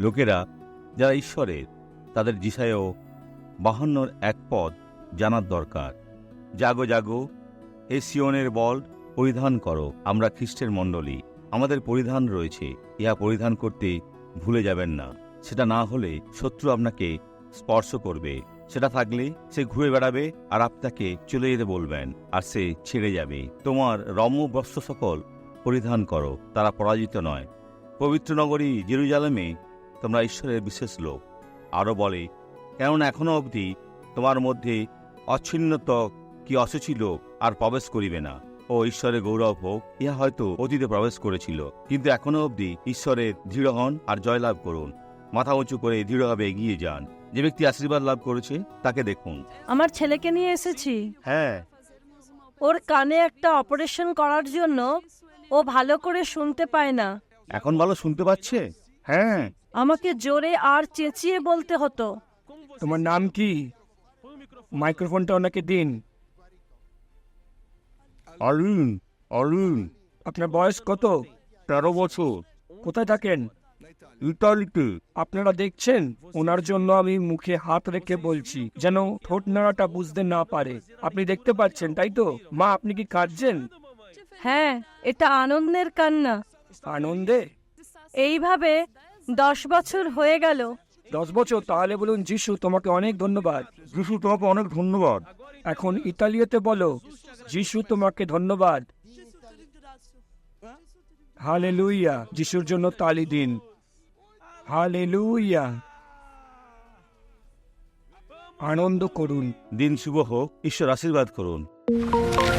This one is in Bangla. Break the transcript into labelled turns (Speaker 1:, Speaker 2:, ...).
Speaker 1: লোকেরা যারা ঈশ্বরের, তাদের যিশায় 52 এক পদ জানার দরকার। জাগো জাগো, হে সিয়নের বল পরিধান করো। আমরা খ্রিস্টের মণ্ডলী, আমাদের পরিধান রয়েছে, ইহা পরিধান করতে ভুলে যাবেন না। সেটা না হলে শত্রু আপনাকে স্পর্শ করবে, সেটা থাকলে সে ঘুরে বেড়াবে আর আপনাকে চলে যেতে বলবেন, আর সে ছেড়ে যাবে। তোমার রম্য বস্ত্র সকল পরিধান করো, তারা পরাজিত নয়। পবিত্র নগরী জেরুজালেমে তোমরা ঈশ্বরের বিশেষ লোক। আরও বলে, কেননা এখনও অবধি তোমার মধ্যে অচ্ছিন্নত কি অসুচি লোক আর প্রবেশ করিবে না। ও ঈশ্বরের গৌরব হোক, ইহা হয়তো অতীতে প্রবেশ করেছিল, কিন্তু এখনও অবধি ঈশ্বরের দৃঢ় হন আর জয়লাভ করুন। মাথা উঁচু করে দৃঢ়ভাবে এগিয়ে যান। যে ব্যক্তি আশীর্বাদ লাভ করেছে তাকে দেখুন।
Speaker 2: আমার ছেলেকে নিয়ে এসেছি।
Speaker 1: হ্যাঁ,
Speaker 2: ওর কানে একটা অপারেশন করার জন্য ও ভালো করে শুনতে পায় না।
Speaker 1: এখন ভালো শুনতে পাচ্ছে? হ্যাঁ।
Speaker 2: আমাকে জোরে আর চেঁচিয়ে বলতে হতো।
Speaker 3: তোমার নাম কি? মাইক্রোফোনটা ওনাকে দিন।
Speaker 1: অরুণ, অরুণ।
Speaker 3: আপনার বয়স কত?
Speaker 1: 13 বছর।
Speaker 3: কোথায় থাকেন?
Speaker 1: ইতালিতে।
Speaker 3: আপনারা দেখছেন, ওনার জন্য আমি মুখে হাত রেখে বলছি, যেন ঠোঁট নাড়াটা বুঝতে না পারে। আপনি দেখতে পাচ্ছেন, তাই তো? মা, আপনি কি কাঁদছেন?
Speaker 2: হ্যাঁ, এটা আনন্দের কান্না।
Speaker 3: আনন্দে?
Speaker 2: এইভাবে 10 বছর হয়ে গেল।
Speaker 3: 10 বছর? তাহলে বলুন, যিশু তোমাকে অনেক ধন্যবাদ।
Speaker 1: যিশু তোমাকে অনেক ধন্যবাদ।
Speaker 3: এখন ইতালিয়াতে বলো, যিশু তোমাকে ধন্যবাদ। হালেলুয়া। যিশুর জন্য তালি দিন। হালেলুয়া। আনন্দ করুন।
Speaker 1: দিন শুভ হোক, ঈশ্বর আশীর্বাদ করুন।